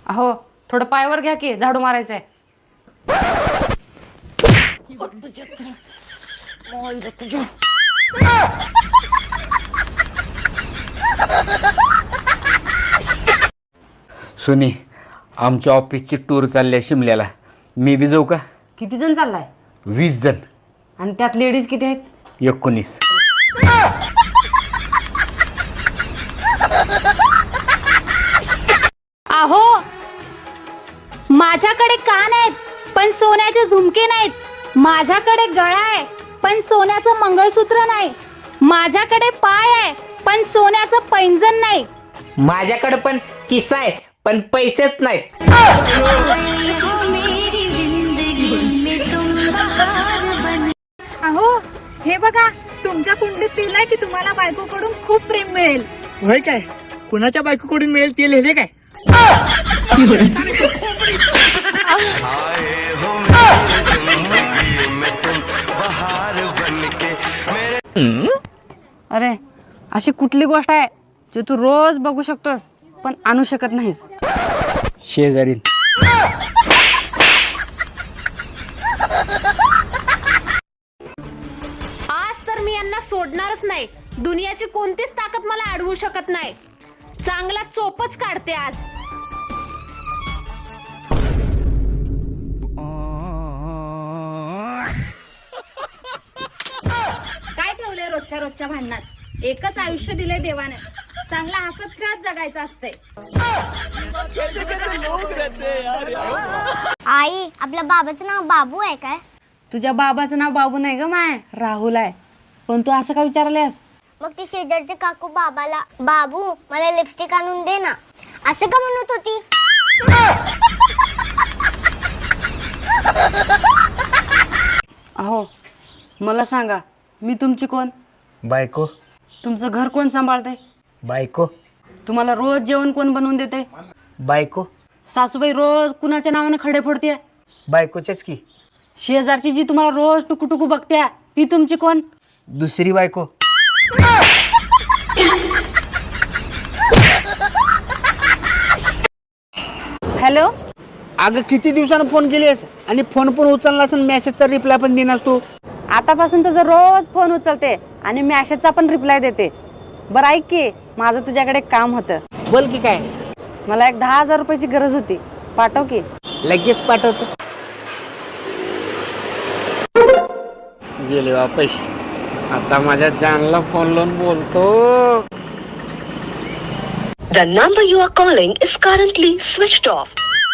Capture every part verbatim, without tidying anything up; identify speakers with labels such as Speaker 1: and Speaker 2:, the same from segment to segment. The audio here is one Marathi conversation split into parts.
Speaker 1: अहो थोडं पायावर घ्या की झाडू मारायचंय.
Speaker 2: सुनी, आमच्या ऑफिसची टूर चालली आहे शिमल्याला. मी बी जाऊ का?
Speaker 1: किती जण चाललाय?
Speaker 2: वीस जण.
Speaker 1: आणि त्यात लेडीज किती आहेत?
Speaker 2: एकोणीस.
Speaker 3: अहो माझ्याकडे कान आहेत पण सोन्याचे झुमके नाहीत. माझ्याकडे गळा आहे पण सोन्याचं मंगळसूत्र नाही. माझ्याकडे पाय आहे पण सोन्याचं पैंजण नाही.
Speaker 4: माझ्याकडे पण किस्सा आहे पण पैसेच नाहीत.
Speaker 3: अहो हे बघा तुमच्या कुंडीत लिहिलंय की तुम्हाला बायकोकडून खूप प्रेम मिळेल.
Speaker 4: होय काय? कुणाच्या बायकोकडून मिळेल ते लिहिले काय?
Speaker 1: अरे अशी कुठली गोष्ट आहे जी तू रोज बघू शकतोस पण आणू शकत नाहीस?
Speaker 2: शेजारी.
Speaker 3: आज तर मी यांना सोडणारच नाही. दुनियाची कोणतीच ताकद मला अडवू शकत नाही. चांगला चोपच काढते आज. काय ठेवलंय रोजच्या रोजच्या भांडणात? एकच आयुष्य दिलंय देवाने. चांगला हसत खेळत जगायचं असतंय.
Speaker 5: आई आपल्या बाबाचं नाव बाबू आहे काय?
Speaker 1: तुझ्या बाबाचं नाव बाबू नाही ग माय, राहुल आहे. पण तू असं का विचारलेस?
Speaker 5: मग ती शेजारची काकू बाबाला बाबू मला लिपस्टिक आणून दे ना असं का म्हणत होती?
Speaker 1: अहो मला सांगा, मी तुमची कोण?
Speaker 2: बायको.
Speaker 1: तुमचं घर कोण सांभाळतंय?
Speaker 2: बायको.
Speaker 1: तुम्हाला रोज जेवण कोण बनवून देते?
Speaker 2: बायको.
Speaker 1: सासूबाई रोज कुणाच्या नावाने खडे फोडते?
Speaker 2: बायकोच्याच की.
Speaker 1: शेजारची जी तुम्हाला रोज टुकू टुकू बघते ती तुमची कोण?
Speaker 2: दुसरी बायको.
Speaker 1: हॅलो.
Speaker 6: अगं किती दिवसानं फोन केलीस आणि फोन पण उचललास आणि मेसेजचा रिप्लाय पण देणार तू.
Speaker 1: आतापासून तुझं रोज फोन उचलते आणि मॅसेजचा पण रिप्लाय देते. बरं ऐक की, माझं तुझ्याकडे एक काम होतं.
Speaker 6: बोल की काय?
Speaker 1: मला एक दहा हजार रुपयाची गरज होती, पाठव की.
Speaker 6: लगेच पाठवतो.
Speaker 2: गेले बा पैसे. आता माझ्या जानला फोन लावून बोलतो.
Speaker 7: The number you are calling is currently switched off.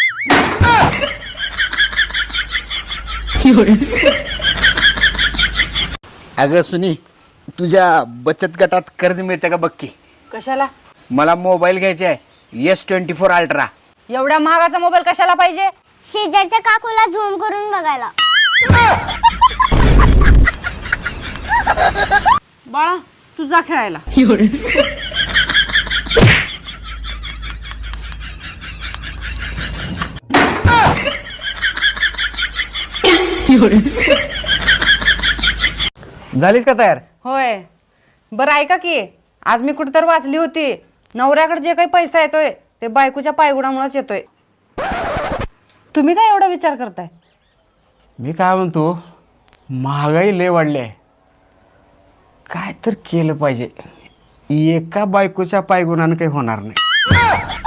Speaker 2: अगं सुनी, तुझ्या बचत गटात कर्ज मिळतं का बघ की.
Speaker 1: कशाला?
Speaker 2: मला मोबाईल घ्यायचा आहे, एस ट्वेंटी फोर अल्ट्रा.
Speaker 1: एवढ्या महागाचा मोबाईल कशाला पाहिजे?
Speaker 5: शेजारच्या काकूला झूम करून बघायला.
Speaker 1: बाळा तू जा खेळायला.
Speaker 2: झालीस का तयार?
Speaker 1: होय. बरं ऐका की, आज मी कुठेतरी वाचली होती, नवऱ्याकडे जे काही पैसा येतोय ते बायकोच्या पायगुणामुळेच येतोय. तुम्ही काय एवढा विचार करताय?
Speaker 6: मी काय म्हणतो, महागाई लय वाढली आहे. काय तर केलं पाहिजे. एका बायकोच्या पायगुणानं काही होणार नाही.